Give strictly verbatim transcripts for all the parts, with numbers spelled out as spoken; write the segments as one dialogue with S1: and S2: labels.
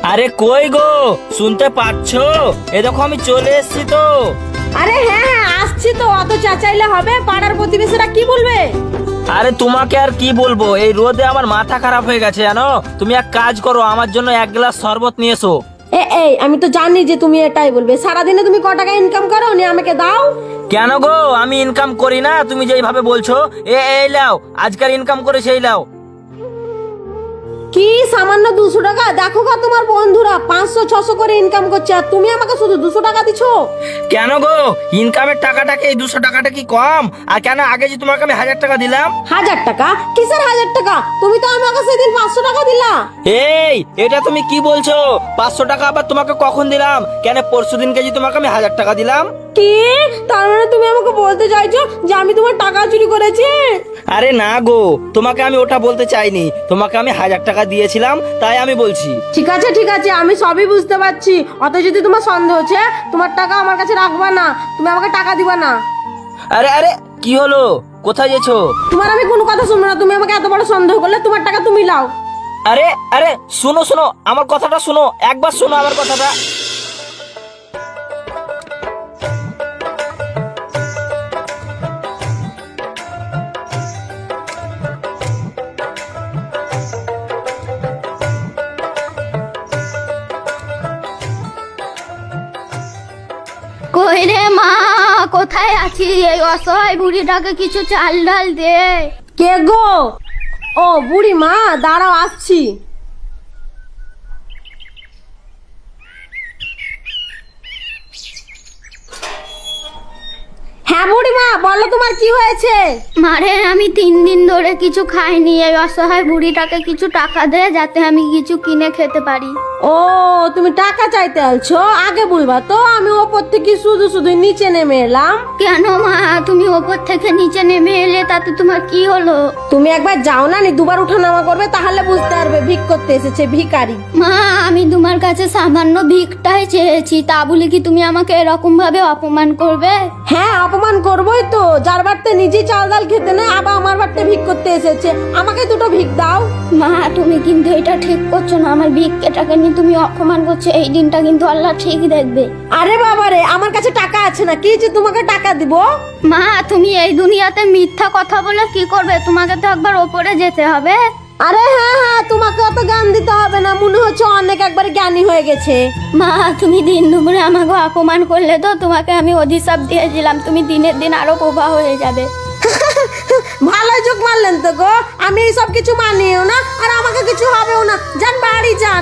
S1: আরে কই গো, শুনতে পাচ্ছো? এ দেখো আমি চলে এসেছি তো।
S2: আরে হ্যাঁ হ্যাঁ আসছি তো, অত চাচাইলে হবে? পাড়ার প্রতিবেশীরা কি বলবে?
S1: আরে তোমাকে আর কি বলবো, এই রোদে আমার মাথা খারাপ হয়ে গেছে জানো। তুমি এক কাজ করো, আমার জন্য এক গ্লাস শরবত নিয়ে এসো।
S2: এ এই আমি তো জানি যে তুমি এটাই বলবে। সারাদিনে তুমি ক টাকা ইনকাম করো, নি আমাকে দাও।
S1: কেন গো, আমি ইনকাম করি না? তুমি যেইভাবে বলছো, এ এই লাও, আজকাল ইনকাম করে সেই লাও।
S2: কি সামান্য দুশো টাকা? দেখো গা তোমার বন্ধুরা পাঁচশো ছশো করে ইনকাম করছে, আর তুমি আমাকে শুধু দুশো টাকা দিছো।
S1: কেন গো, ইনকামের টাকাটাকে এই দুশো টাকাটা কি কম? আর কেন আগে যে তোমাকে আমি হাজার টাকা দিলাম?
S2: হাজার টাকা? কিসের হাজার টাকা? তুমি তো আমাকে সেদিন পাঁচশো টাকা দিলা।
S1: এই এটা তুমি কি বলছো? পাঁচশো টাকা আবার তোমাকে কখন দিলাম? কেন পরশু দিনকে যে তোমাকে আমি হাজার টাকা দিলাম।
S2: কি? তার মানে তুমি আমাকে বলতে চাইছো যে আমি তোমার টাকা চুরি করেছি?
S1: আরে না গো, তোমাকে আমি ওটা বলতে চাইনি, তোমাকে আমি হাজার টাকা দিয়েছিলাম তাই আমি বলছি।
S2: ঠিক আছে ঠিক আছে, আমি সবই বুঝতে পারছি। অত যদি তোমার সন্দেহ হচ্ছে, তোমার টাকা আমার কাছে রাখবা না, তুমি আমাকে টাকা দিবা না।
S1: আরে আরে কি হলো, কোথায় গেছো?
S2: তোমার আমি কোনো কথা শুনবো না। তুমি আমাকে এত বড় সন্দেহ করলে, তোমার টাকা তুমি লাও।
S1: আরে আরে শোনো শোনো, আমার কথাটা শোনো, একবার শোনো আমার কথাটা।
S3: কই রে মা, কোথায় আছিস? এই অসহায় বুড়িটাকে কিছু চাল ডাল দে।
S2: কে গো? ও বুড়ি মা, দাঁড়াও আসছি। হ্যাঁ বুড়ি মা, বলো তোমার কি হয়েছে?
S3: মারে আমি তিন দিন ধরে কিছু খাইনি, এই অসহায় বুড়িটাকে কিছু টাকা দে যাতে আমি কিছু কিনে খেতে পারি।
S2: ও তুমি টাকা চাইতে আলছো? আগে বলবা তো, আমি ওপর থেকে শুধু শুধু নিচে নেমে এলাম।
S3: কেন মা, তুমি ওপর থেকে নিচে নেমে এলে তাতে তোমার কি হলো?
S2: তুমি একবার যাও না, নি দুবার উঠা নামা করবে, তাহলে বুঝতে পারবে ভিক করতে এসেছে ভিখারি।
S3: মা আমি তোমার কাছে সামান্য ভিকটাই চেয়েছি, তা বলে কি তুমি আমাকে এরকম ভাবে অপমান করবে?
S2: হ্যাঁ অপমান করবোই তো, যার বাড়তে নিজে চাল ডাল খেতে নেই, আবার আমার বাড়তে ভিক করতে এসেছে। আমাকে দুটো ভিক দাও।
S3: মা তুমি কিন্তু এটা ঠিক করছো না, আমার ভিক্ষেটাকে নিয়ে তুমি অপমান করছো, এই দিনটা কিন্তু আল্লাহ ঠিক দেখবে।
S2: আরে বাবারে, আমার কাছে টাকা আছে না কি যে তোমাকে টাকা দিব?
S3: মা তুমি এই দুনিয়াতে মিথ্যা কথা বলে কি করবে? তোমাকে তো একবার ওপরে যেতে হবে।
S2: আরে হ্যাঁ হ্যাঁ, তোমাকে অত জ্ঞান দিতে হবে না, মনে হচ্ছে অনেক একবার জ্ঞানী হয়ে গেছে।
S3: মা তুমি দিন দুপুরে আমাকে অপমান করলে তো, তোমাকে আমি অভিশাপ দিয়েছিলাম, তুমি দিনের দিন আরো প্রবাহ হয়ে যাবে।
S2: ভালো যোগ মারলেন তো গো, আমি এই সব কিছু মানিও না, আর আমাকে কিছু হবেও না। যান বাড়ি যান।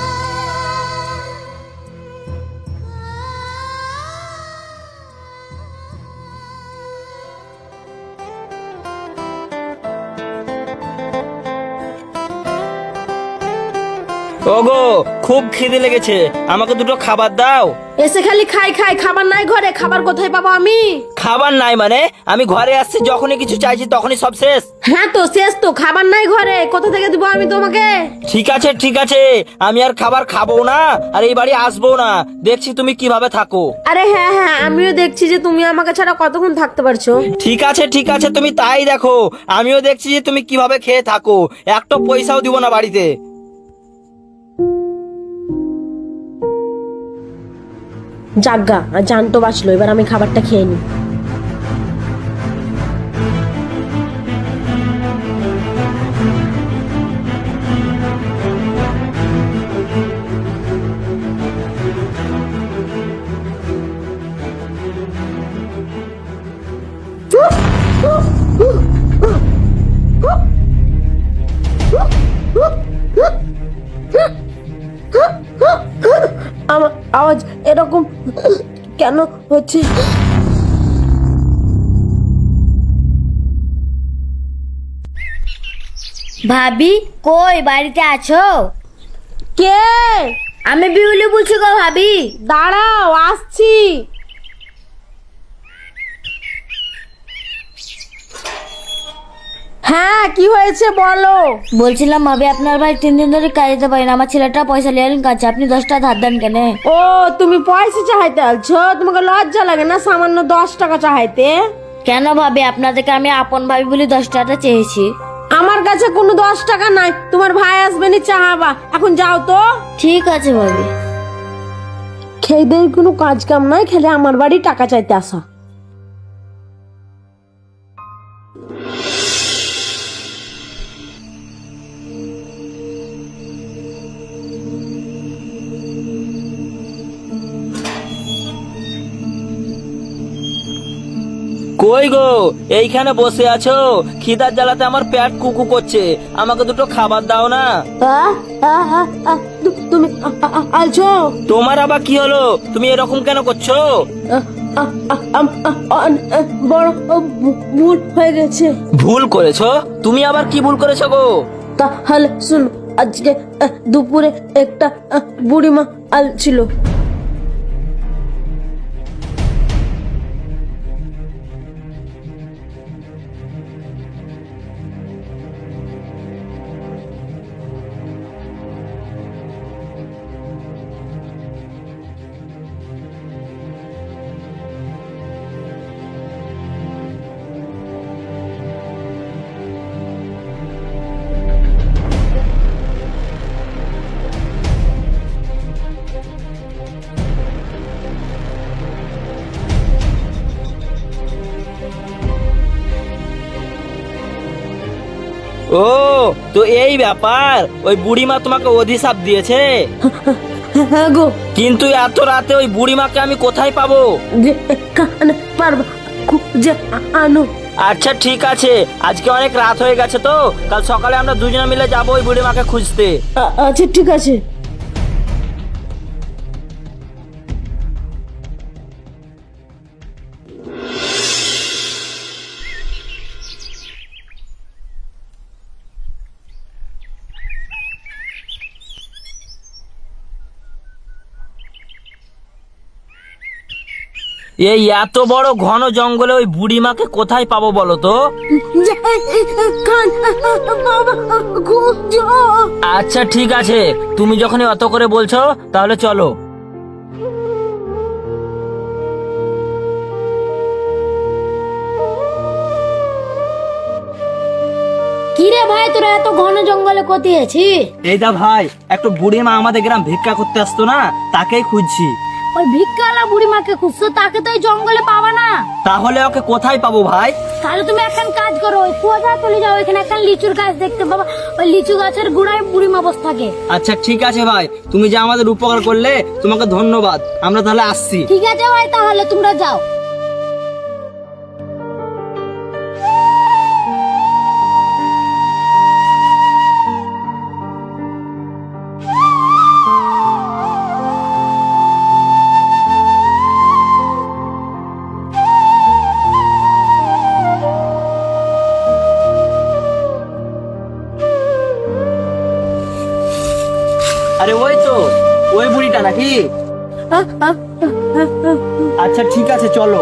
S1: ওগো খুব খিদে লেগেছে, আমাকে দুটো খাবার দাও।
S2: এসে খালি খাই খাই, খাবার নাই ঘরে, খাবার কোথায় পাবো আমি?
S1: খাবার নাই মানে? আমি ঘরে আসছি, যখনই কিছু চাইছি তখনই সব শেষ।
S2: হ্যাঁ তো শেষ তো, খাবার নাই ঘরে, কোথা থেকে দিব আমি তোমাকে?
S1: ঠিক আছে ঠিক আছে, আমি আর খাবার খাবো না, আর এই বাড়ি আসবো না, দেখছি তুমি কিভাবে থাকো।
S2: আরে হ্যাঁ হ্যাঁ, আমিও দেখছি যে তুমি আমাকে ছাড়া কতক্ষণ থাকতে পারছো।
S1: ঠিক আছে ঠিক আছে, তুমি তাই দেখো, আমিও দেখছি যে তুমি কিভাবে খেয়ে থাকো, একটা পয়সাও দিব না বাড়িতে।
S2: জাগা আর জান তো বাঁচলো, এবার আমি খাবারটা খেয়ে নিই। আমার আওয়াজ এরকম কেন হচ্ছে?
S4: ভাবি কই, বাড়িতে আছো?
S2: কে?
S4: আমি বিউলি বলছি গো ভাবি।
S2: দাঁড়াও আসছি। হ্যাঁ কি হয়েছে বলো।
S4: বলছিলাম ভাবি আপনার ভাই তিন দিন ধরে কাজ যেতে পারেন, আমার ছেলেটা পয়সা লিয়ালিন কাছে, আপনি দশটা ধার দেন কেন?
S2: ও তুমি পয়সা চাহাইতে আলছো? তোমাকে লজ্জা লাগে না সামান্য দশ টাকা চাহাইতে?
S4: কেন ভাবি, আপনাদেরকে আমি আপন ভাবি বলে দশ টাকাটা চেয়েছি।
S2: আমার কাছে কোনো দশ টাকা নাই, তোমার ভাই আসবে নি চাহাবা, এখন যাও তো।
S4: ঠিক আছে ভাবি।
S2: খেয়েদের কোনো কাজ কাম নাই, খেলে আমার বাড়ি টাকা চাইতে আসা।
S1: কই গো, এইখানে বসে আছো? খিদার জ্বালাতে আমার পেট কুকু করছে, আমাকে দুটো খাবার দাও না।
S2: আহ, আহ, আহ, আহ, তু- তুমি আ- আ- আ- আছো?
S1: তোমার আবার কি হলো? তুমি এরকম কেন করছো?
S2: আহ, আহ, আহ, আম, আহ, অন- আহ, বড় আহ, ভু- ভুল হয়ে গেছে।
S1: ভুল করেছো? তুমি আবার কি ভুল করেছো গো?
S2: তাহলে শুন, আজকে আহ, দুপুরে একটা আহ, বুড়িমা আল ছিল।
S1: ও, তো এই ব্যাপার। ওই বুড়িমা তোমাকে অভিশাপ দিয়েছে?
S2: হ্যাঁ গো,
S1: কিন্তু এত রাতে ওই বুড়িমাকে আমি কোথায় পাবো?
S2: যে কানে পারবা খুঁজে আনো।
S1: আচ্ছা ঠিক আছে, আজকে অনেক রাত হয়ে গেছে, তো কাল সকালে আমরা দুজনে মিলে যাবো ওই বুড়িমাকে খুঁজতে।
S2: আ- আচ্ছা ঠিক আছে।
S1: এই এত বড় ঘন জঙ্গলে ওই বুড়িমাকে কোথায় পাবো বলো তো?
S2: যে, কান বাবা খুঁজো।
S1: আচ্ছা ঠিক আছে, তুমি যখনই অত করে বলছো তাহলে চলো।
S4: কিরে ভাই, তোরা এত ঘন জঙ্গলে কোথায় আছিস?
S1: এই দা ভাই, একটু বুড়িমা আমাদের গ্রাম ভিক্ষা করতে আসতো না, তাকেই খুঁজছি।
S4: ওই ভিক্ষাওয়ালা বুড়ি মাকে খুঁজছো, তাকে তো এই জঙ্গলে পাবা না।
S1: তাহলে ওকে কোথায় পাবো ভাই?
S4: তাহলে তুমি একখান কাজ করো, ওই কুয়াশা চলে যাও, এখানে একটা লিচুর গাছ দেখতে পাবা, ওই লিচু গাছের গোড়ায় বুড়ি মা বসে থাকে।
S1: আচ্ছা ঠিক আছে ভাই, তুমি যে আমাদের উপকার করলে তোমাকে ধন্যবাদ। আমরা তাহলে আসছি।
S4: ঠিক আছে ভাই, তাহলে তোমরা যাও।
S1: আরে ওই তো ওই বুড়িটা নাকি? আচ্ছা ঠিক আছে চলো।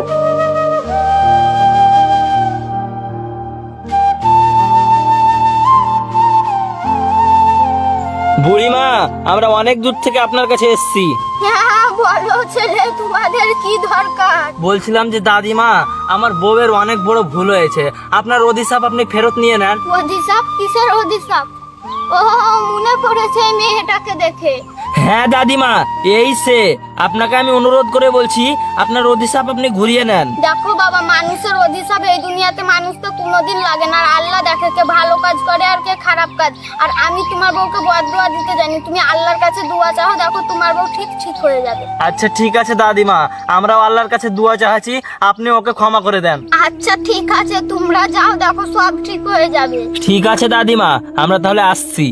S1: বুড়িমা, আমরা অনেক দূর থেকে আপনার কাছে এসেছি।
S3: হ্যাঁ বলো ছেলে, তোমাদের কি দরকার?
S1: বলছিলাম যে দাদিমা, আমার বউয়ের অনেক বড় ভুল হয়েছে, আপনার অভিশাপ আপনি ফেরত নিয়ে নেন।
S3: অধিশাপ? কিসের অধিশাপ? ও মনে পড়েছে এই মেয়েটাকে দেখে।
S1: হ্যাঁ দাদিমা, এই সে। আপনাকে আমি অনুরোধ করে বলছি, আপনার অভিশাপ আপনি ঘুরিয়ে নেন।
S3: দেখো বাবা, মানুষের অধিশাপ এই দুনিয়াতে মানুষ তো কোনোদিন লাগে না। আর আল্লাহ দেখে কে ভালো কাজ করে আর কে খারাপ কাজ। আর আমি তোমার বউকে বদদুয়া দিতে জানি, তুমি আল্লাহর কাছে দোয়া চাও, দেখো তোমার বউ ঠিক ঠিক হয়ে যাবে।
S1: আচ্ছা ঠিক আছে দাদিমা, আমরাও আল্লাহর কাছে দোয়া চাচ্ছি, আপনি ওকে ক্ষমা করে দেন।
S3: আচ্ছা ঠিক আছে, তোমরা যাও, দেখো সব ঠিক হয়ে যাবে।
S1: ঠিক আছে দাদিমা, আমরা তাহলে আসছি।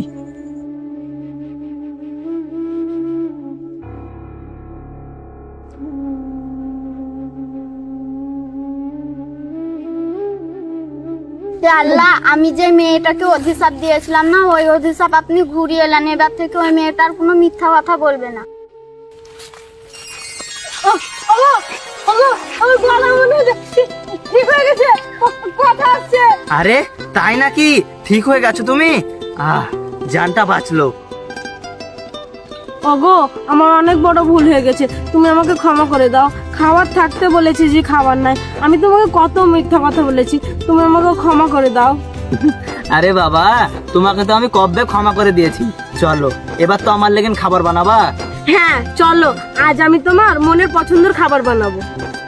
S3: হে আল্লাহ, আমি যে মেয়েটাকে অভিশাপ দিয়েছিলাম না, ওই অভিশাপ আপনি ঘুরিয়ে এলেন। এবার থেকে ওই মেয়েটার কোনো মিথ্যা কথা বলবে না।
S2: ঠিক হয়ে গেছে, কথা আসছে।
S1: আরে তাই নাকি? ঠিক হয়ে গেছো তুমি? আহ, জানটা বাঁচলো।
S2: ওগো, আমার অনেক বড় ভুল হয়ে গেছে, তুমি আমাকে ক্ষমা করে দাও। খাবার থাকতে বলেছি যে খাবার নাই, আমি তোমাকে কত মিথ্যা কথা বলেছি, তুমি আমাকে ক্ষমা করে দাও।
S1: আরে বাবা, তোমাকে তো আমি কবে ক্ষমা করে দিয়েছি। চলো এবার তো আমার লেগেন খাবার বানাবা।
S2: হ্যাঁ চলো, আজ আমি তোমার মনের পছন্দের খাবার বানাবো।